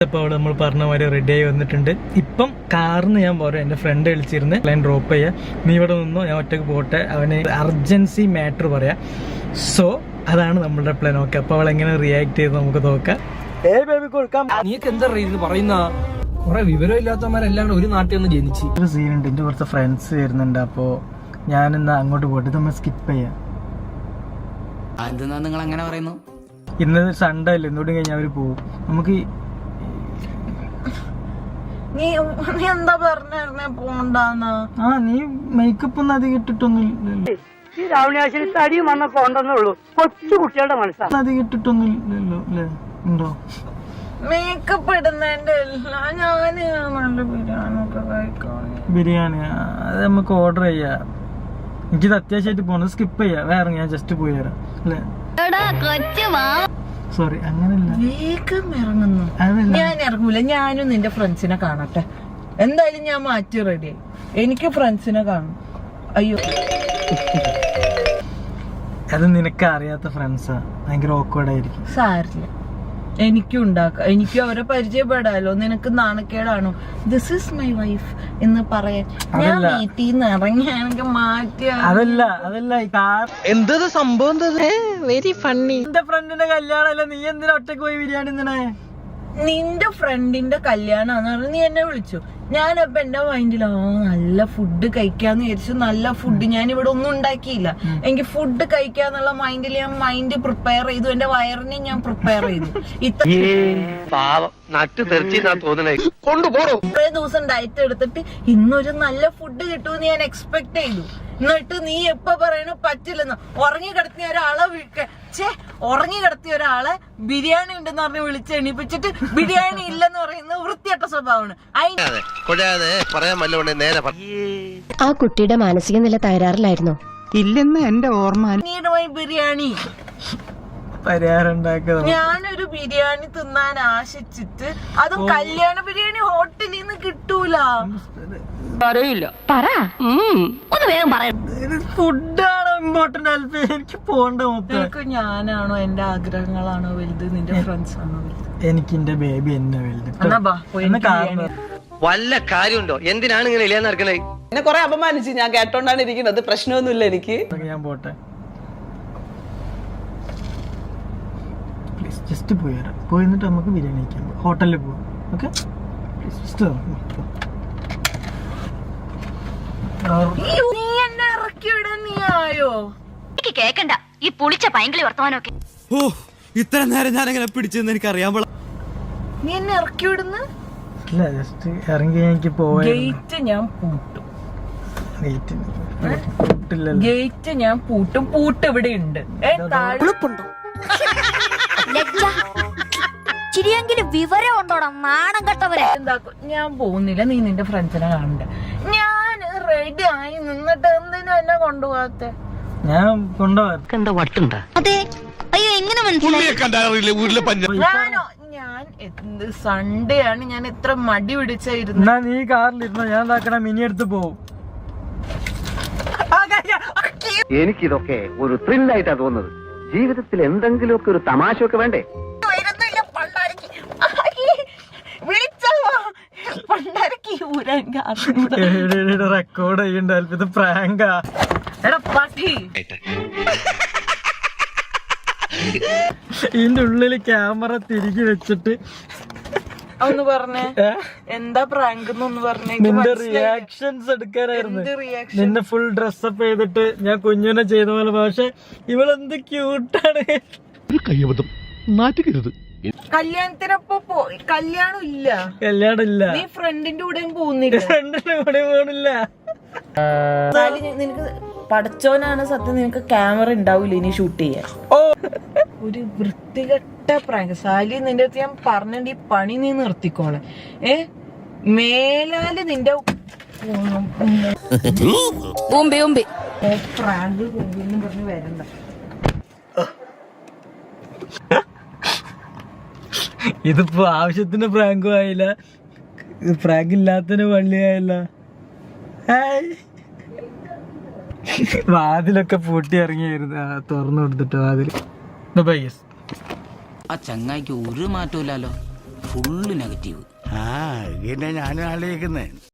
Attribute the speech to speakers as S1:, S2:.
S1: ഇപ്പോൾ അവിടെ നമ്മൾ പറഞ്ഞ മാതിരി റെഡി ആയി വന്നിട്ടുണ്ട്. ഇപ്പം കാറിന് ഞാൻ പോരാ, എൻ്റെ ഫ്രണ്ട് വിളിച്ചിരുന്ന് പ്ലാൻ ഡ്രോപ്പ് ചെയ്യാം, നീ ഇവിടെ നിന്നോ, ഞാൻ ഒറ്റയ്ക്ക് പോട്ടെ, അവന് അർജൻസി മാറ്റർ പറയാം. സോ അതാണ് നമ്മളുടെ പ്ലാൻ. ഓക്കെ, അപ്പോൾ അവൾ എങ്ങനെ റിയാക്ട് ചെയ്ത് നമുക്ക് നോക്കാം.
S2: നീക്ക് എന്താ പറയുന്ന കുറെ വിവരമില്ലാത്തവന്മാരെല്ലാം ഒരു നാട്ടിൽ നിന്ന് ജനിച്ച്.
S1: ഒരു സീനുണ്ട്, എൻ്റെ കുറച്ച് ഫ്രണ്ട്സ് വരുന്നുണ്ട്, അപ്പോൾ ഞാനിന്ന് അങ്ങോട്ട് പോയിട്ട് നമ്മൾ സ്കിപ്പ് ചെയ്യാം.
S2: എന്തെന്നാ നിങ്ങൾ അങ്ങനെ പറയുന്നു?
S1: ഇന്ന് സൺഡേ അല്ലേ, ഇന്നോട് കഴിഞ്ഞാൽ അവർ പോകും. നമുക്ക്
S3: നീ എന്താ പറഞ്ഞേ പോണ്ടാന്ന്?
S1: നീ മേക്കപ്പ് ഒന്നും അധികം ഇട്ടിട്ടൊന്നും
S4: തടിയും വന്നൊക്കെ ഉണ്ടെന്നേ ഉള്ളൂ. കൊച്ചു കുട്ടികളുടെ മനസ്സാണ്.
S1: അധികം ഇട്ടിട്ടൊന്നും ഇല്ലല്ലോ അല്ലേ? ഉണ്ടോ
S3: മേക്കപ്പ് ഇടുന്നതിന്റെ എല്ലാം? ഞാന് നല്ല ബിരിയാണി ഒക്കെ കഴിക്കാൻ.
S1: ബിരിയാണി അത് നമുക്ക് ഓർഡർ ചെയ്യാം. എനിക്കിത് അത്യാവശ്യമായിട്ട് പോകണം, സ്കിപ്പ് ചെയ്യാം. വേറെ ഞാൻ ജസ്റ്റ് പോയി തരാം അല്ലേ? സോറി, അങ്ങനല്ല.
S3: വേഗം ഇറങ്ങുന്നു. ഞാൻ ഇറങ്ങൂല, ഞാനും നിന്റെ ഫ്രണ്ട്സിനെ കാണട്ടെ. എന്തായാലും ഞാൻ മാറ്റി റെഡിയായി. എനിക്ക് ഫ്രണ്ട്സിനെ കാണും. അയ്യോ,
S1: അത് നിനക്ക് അറിയാത്ത ഫ്രണ്ട്സാ, ഭയങ്കര ഓക്വേർഡ് ആയിരിക്കും.
S3: സാരില്ല, എനിക്കും ഉണ്ടാക്കാം, എനിക്കും അവരെ പരിചയപ്പെടാലോ. നിനക്ക് നാണക്കേടാണോ ദിസ് ഈസ് മൈ വൈഫ് എന്ന് പറയാൻ? ഞാൻ വീട്ടിൽ നിന്ന് ഇറങ്ങിയാണെങ്കിൽ മാറ്റിയ.
S1: അതല്ല
S2: എന്തത് സംഭവം?
S3: Very funny.
S1: എന്റെ ഫ്രണ്ടിന്റെ കല്യാണമല്ല, നീ എന്തിനാ ഒറ്റക്ക് പോയി ബിരിയാണി തിന്നണേ?
S3: നിന്റെ ഫ്രണ്ടിന്റെ കല്യാണാന്ന് പറഞ്ഞ് നീ എന്നെ വിളിച്ചു. ഞാനപ്പൊ എന്റെ മൈൻഡിൽ നല്ല ഫുഡ് കഴിക്കാന്ന് വിചാരിച്ചു. നല്ല ഫുഡ് ഞാൻ ഇവിടെ ഒന്നും ഉണ്ടാക്കിയില്ല. എനിക്ക് ഫുഡ് കഴിക്കാന്നുള്ള മൈൻഡിൽ ഞാൻ മൈൻഡ് പ്രിപ്പയർ ചെയ്തു. എന്റെ വയറിനെ ഞാൻ പ്രിപ്പയർ ചെയ്തു. ഇത്രേ ദിവസം ഡയറ്റ് എടുത്തിട്ട് ഇന്നൊരു നല്ല ഫുഡ് കിട്ടുമെന്ന് ഞാൻ എക്സ്പെക്ട് ചെയ്തു. എന്നിട്ട് നീ എപ്പോ പറയണു പറ്റില്ലെന്ന്? ഉറങ്ങി കിടത്തിയ ഒരാളെ ബിരിയാണി ഉണ്ടെന്ന് പറഞ്ഞ് വിളിച്ച് എണീപ്പിച്ചിട്ട് ബിരിയാണി ഇല്ലെന്ന് പറയുന്നത് വൃത്തിയട്ട സ്വഭാവമാണ്.
S5: ആ കുട്ടിയുടെ മാനസിക നില തകരാറിലായിരുന്നോ?
S4: ഇല്ലെന്ന് എന്റെ ഓർമ്മ.
S3: ബിരിയാണി
S1: പരിഹാരം ഉണ്ടാക്കുക.
S3: ഞാനൊരു ബിരിയാണി തിന്നാൻ ആശിച്ചിട്ട് അതും കല്യാണ ബിരിയാണി ഹോട്ടലിൽ നിന്ന് കിട്ടൂല.
S1: ഫുഡാണോ ഇമ്പോർട്ടന്റ്? എനിക്ക് പോകണ്ട.
S3: നിനക്ക് ഞാനാണോ എന്റെ ആഗ്രഹങ്ങളാണോ വലുത്, നിന്റെ ഫ്രണ്ട്സ് ആണോ വലുത്?
S1: എനിക്ക് എന്റെ ബേബി എന്നെ വലുത്.
S6: വല്ല കാര്യമുണ്ടോ? എന്തിനാണ് ഇങ്ങനെ ഇല്ലാന്ന് നടക്കണേ?
S7: എന്നെ കൊറേ അപമാനിച്ച് ഞാൻ കേട്ടോണ്ടാണ് ഇരിക്കുന്നത്. പ്രശ്നമൊന്നുമില്ല എനിക്ക്.
S1: ഞാൻ പോട്ടെ, പ്ലീസ് ജസ്റ്റ് പോയി വരാം. പോയിട്ട് നമുക്ക് ബിരിയാണി കഴിക്കാൻ പോകാം, ഹോട്ടലിൽ പോവാം. ഓക്കെ
S3: നീ എന്നെ ഇറക്കിവിടാൻ നീ ആയോ?
S5: എനിക്ക് കേക്കണ്ട ഈ പുളിച്ച പൈങ്കിളി വർത്തമാനമൊക്കെ.
S2: ഓ, ഇത്ര നേരം ഞാൻ എങ്ങനെ പിടിച്ചെന്ന് എനിക്ക് അറിയാൻ പാടില്ല.
S3: നീ എന്നെ ഇറക്കിവിടുന്ന?
S1: ഇല്ല, ജസ്റ്റ് ഇറങ്ങി എനിക്ക് പോവാ.
S3: ഗേറ്റ് ഞാൻ പൂട്ടും.
S1: ഗേറ്റ്
S3: ഞാൻ പൂട്ടും. പൂട്ട് ഇവിടെ ഉണ്ട്.
S5: ചിരിയെങ്കിലും വിവരം ഉണ്ടോടാ നാണം കെട്ടവരെ.
S3: എന്താക്കും? ഞാൻ പോകുന്നില്ല, നീ നിന്റെ ഫ്രണ്ട്സിനെ കാണണ്ട. ഞാൻ റെഡി ആയി നിന്നിട്ട് എന്തിനാ എന്നെ കൊണ്ടുപോകാത്തെ?
S1: ഞാൻ കൊണ്ടുപോകാം.
S5: എന്താ വട്ടുണ്ടാ? അതെ. അയ്യോ, എങ്ങനെ മനസ്സിലായി?
S3: ഞാനോ? ഞാൻ എന്ത് സൺഡേ ആണ്, ഞാൻ എത്ര മടി പിടിച്ചായിരുന്നു.
S1: നീ കാറിലിരുന്നോ, ഞാൻ എന്താക്കണ മിനി എടുത്ത് പോവും.
S6: എനിക്കിതൊക്കെ ഒരു ത്രില്ലായിട്ടാ തോന്നുന്നത്. ജീവിതത്തിൽ എന്തെങ്കിലുമൊക്കെ ഒരു തമാശയൊക്കെ വേണ്ടേ?
S1: റെക്കോർഡ് ചെയ്യണ്ട, ഇത് പ്രാങ്കാ. ഇതിന്റെ ഉള്ളില് ക്യാമറ തിരികെ വെച്ചിട്ട്
S3: ഒന്ന് പറഞ്ഞേ, എന്താ പ്രാങ്ക് എന്നൊന്ന് പറഞ്ഞേ.
S1: നിന്റെ റിയാക്ഷൻസ് എടുക്കാനായിരുന്നു. നിന്നെ ഫുൾ ഡ്രസ്സപ്പ് ചെയ്തിട്ട് ഞാൻ കുഞ്ഞിനെ ചെയ്ത പോലെ. പക്ഷെ ഇവളെന്ത് ക്യൂട്ടാണ്.
S3: കല്യാണത്തിനൊപ്പം കല്യാണം
S1: ഇല്ല.
S3: നീ ഫ്രണ്ടിന്റെ കൂടെയും പോകുന്നില്ല.
S1: ഫ്രണ്ടിന്റെ കൂടെ പോണില്ല.
S3: നിനക്ക് പഠിച്ചോനാണ് സത്യം, നിനക്ക് ക്യാമറ ഉണ്ടാവൂല ഇനി ഷൂട്ട് ചെയ്യാൻ. ഒരു വൃത്തികെട്ട പ്രാങ്ക് സാലി. നിന്റെ അടുത്ത് ഞാൻ പറഞ്ഞിട്ട് ഈ പണി നീ നിർത്തിക്കോളെ. മേലാല് നിന്റെ പ്രാങ്ക് പറഞ്ഞ് വരണ്ട.
S1: ഇതിപ്പോ ആവശ്യത്തിന് പ്രാങ്കും ആയില്ല, പ്രാങ്ക് ഇല്ലാത്തതിന് പള്ളിയായില്ല. വാതിലൊക്കെ പൂട്ടി ഇറങ്ങിയായിരുന്നു, തുറന്നു കൊടുത്തിട്ട് വാതിൽ.
S2: ആ ചങ്ങായിക്ക് ഒരു മാറ്റമില്ലല്ലോ.
S8: Full negative.
S9: ആ ഇതന്നെ ഞാനും ആലോചിക്കുന്നേ.